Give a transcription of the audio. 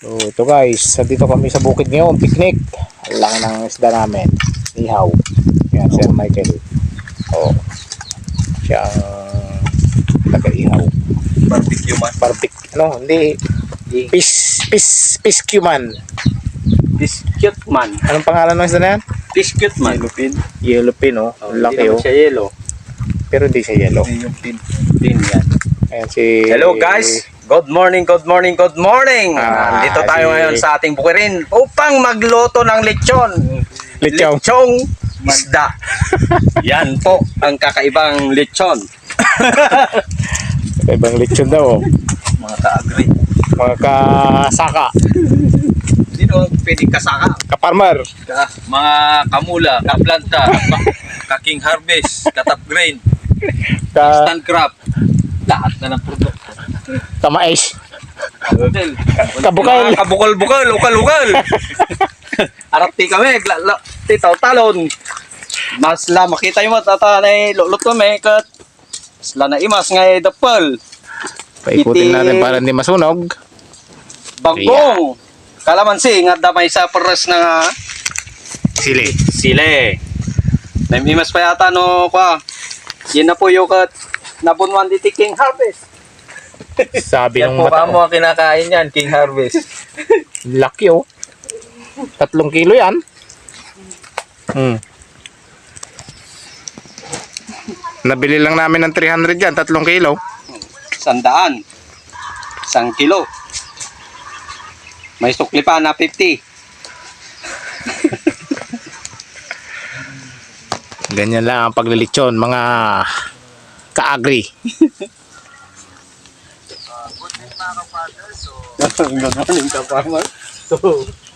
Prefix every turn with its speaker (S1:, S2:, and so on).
S1: So ito guys, dito kami sa bukid ngayon, picnic. Ang laki ng isda namin. Ihaw. Yan, Sir Michael. Oh. Siya ang taga-ihaw.
S2: Barbecue man.
S1: Ano, hindi. Piscue man.
S2: Biscuit man.
S1: Anong pangalan ng isda na yan?
S2: Biscuit man. Yellowfin.
S1: Yellowfin, oh. Ang laki, oh.
S2: Hindi naman siya yellow.
S1: Pero hindi siya yellow.
S2: Yung pin. Pin yan.
S1: Ayan si...
S2: Hello guys! Good morning, good morning, good morning! Dito tayo ngayon sa ating bukirin upang magluto ng lechon.
S1: Lechong.
S2: Lechong isda. Yan po ang kakaibang lechon.
S1: Ibang lechon daw, oh.
S2: Mga ka-agri.
S1: Mga kasaka.
S2: Sino ang pwedeng kasaka?
S1: Kaparmer.
S2: Mga kamula, kaplanta, kaking harvest, katap grain, instant crop. Lahat na ng produkto.
S1: Kamais.
S2: Hotel.
S1: Kabukal.
S2: Kabukal-bukal, ukal-ukal. Arati kami, titaw talon. Mas la makita yung tata na lulot kami kat. Mas la na imas nga dapal.
S1: Paikutin natin para hindi masunog.
S2: Banggong. Kalamansi nga damay sa pares na
S1: Sili.
S2: sile. Namimas pa yata no kwa. Yan na po yung kat nabunwan di King Harvest.
S1: Sabi
S2: Yan
S1: ng
S2: po
S1: mata.
S2: kamo ang kinakain yan, King Harvest.
S1: Laki, oh. 3 kilo yan. Nabili lang namin ng 300 yan, 3 kilo.
S2: 100. 1 kilo. May sukli pa na 50.
S1: Ganyan lang ang paglilitsyon, mga ka-agri.
S2: Good morning, ka farmer. So,